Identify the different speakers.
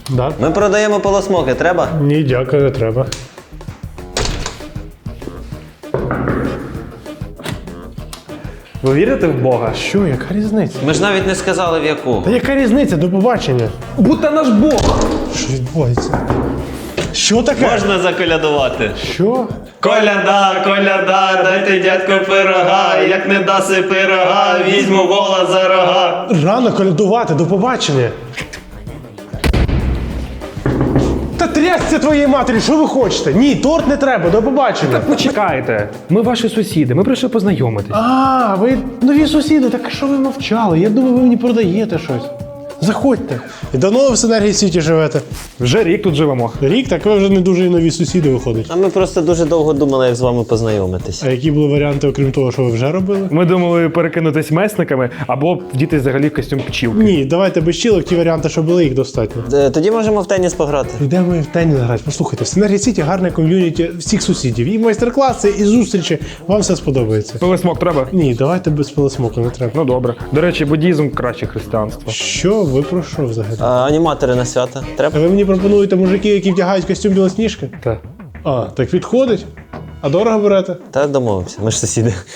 Speaker 1: Да?
Speaker 2: Ми продаємо полосмоки, треба?
Speaker 1: Ні, дякую, не треба.
Speaker 3: Ви вірите в Бога?
Speaker 1: Що, яка різниця?
Speaker 2: Ми ж навіть не сказали в яку.
Speaker 1: Та яка різниця? До побачення.
Speaker 3: Будьте наш Бог!
Speaker 1: Що відбувається? Що таке?
Speaker 2: Можна заколядувати.
Speaker 1: Що?
Speaker 2: Коляда, коляда, дайте дядьку пирога, як не даси пирога, візьму вола за рога.
Speaker 1: Рано колядувати, до побачення. Та трясся твоєї матері, що ви хочете? Ні, торт не треба, до побачення.
Speaker 3: Почекайте, ми ваші сусіди, ми прийшли познайомитись.
Speaker 1: А, ви нові сусіди, так що ви мовчали? Я думаю, ви мені продаєте щось. Заходьте. І давно ви в Синергії Сіті живете?
Speaker 3: Вже рік тут живемо.
Speaker 1: Рік, так ви вже не дуже і нові сусіди виходять.
Speaker 2: А ми просто дуже довго думали, як з вами познайомитись.
Speaker 1: А які були варіанти, окрім того, що ви вже робили?
Speaker 3: Ми думали перекинутись месниками або вдіти взагалі в костюм пчілки.
Speaker 1: Ні, давайте без чілок, ті варіанти, що були, їх достатньо.
Speaker 2: Тоді можемо в теніс пограти.
Speaker 1: Йдемо в теніс грати. Послухайте, в Синергії Сіті гарне ком'юніті всіх сусідів. І майстер-класи, і зустрічі. Вам все сподобається.
Speaker 3: Пилисмок треба?
Speaker 1: Ні, давайте без пилосмоку, не треба.
Speaker 3: Ну добре. До речі, буддізм краще християнства.
Speaker 1: Що ви про що взагалі?
Speaker 2: Аніматори на свята. Треба?
Speaker 1: Ви мені пропонуєте мужики, які вдягають костюм Білосніжки?
Speaker 3: Так.
Speaker 1: А, так підходить. А дорого берете?
Speaker 2: Та домовимося, ми ж сусіди.